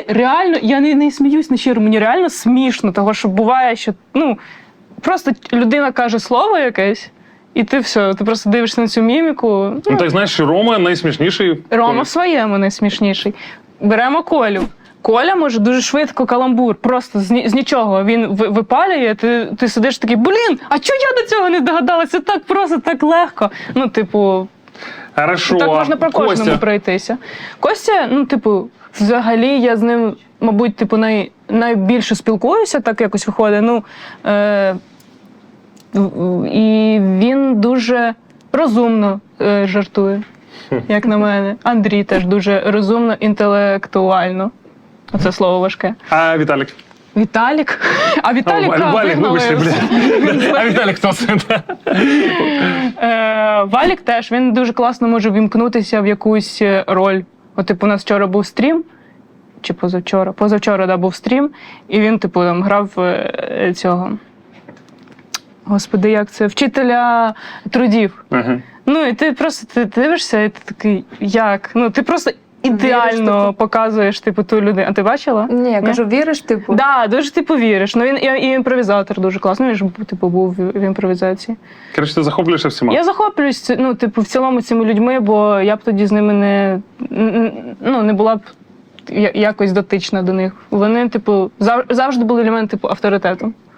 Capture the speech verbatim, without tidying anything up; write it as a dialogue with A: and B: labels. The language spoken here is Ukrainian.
A: мені реально, я не, не сміюсь на щиро, мені реально смішно, того, що буває, що, ну, просто людина каже слово якесь, і ти все, ти просто дивишся на цю міміку. Ну,
B: Ну, так знаєш, Рома найсмішніший.
A: Рома в своєму найсмішніший. Беремо Колю. Коля може дуже швидко каламбур, просто з, ні, з нічого. Він випалює, ти, ти сидиш такий, блін, а чого я до цього не догадалася? Так просто, так легко. Ну, типу,
B: Хорошо.
A: так можна про кожному
B: Костя.
A: пройтися. Костя, ну, типу, взагалі я з ним, мабуть, типу, най, найбільше спілкуюся, так якось виходить. Ну, е, і він дуже розумно е, жартує, як на мене. Андрій теж дуже розумно, інтелектуально. Оце слово важке.
B: А Віталік?
A: Віталік? А Віталік,
B: О, Валік, вибачте, блядь. А Віталік хто це?
A: Е, Валік теж, він дуже класно може вімкнутися в якусь роль. От, типу, у нас вчора був стрім, чи позавчора? Позавчора, да, був стрім, і він, типу, там грав е, цього, господи, як це, вчителя трудів.
B: Ага.
A: Ну, і ти просто ти дивишся, і ти такий, як? Ну, ти просто ідеально
C: Віриш, типу?
A: показуєш, типу, ту людину. А ти бачила?
C: Ні, я кажу, віриш, типу?
A: Так, да, дуже ти повіриш. Ну, він і, і імпровізатор дуже класний, він ж, типу, був в, в імпровізації.
B: Коротше, ти захоплюєшся всіма?
A: Я захоплююсь, ну, типу, в цілому цими людьми, бо я б тоді з ними не, ну, не була б якось дотична до них. Вони, типу, завжди були для мене, типу, авторитетом.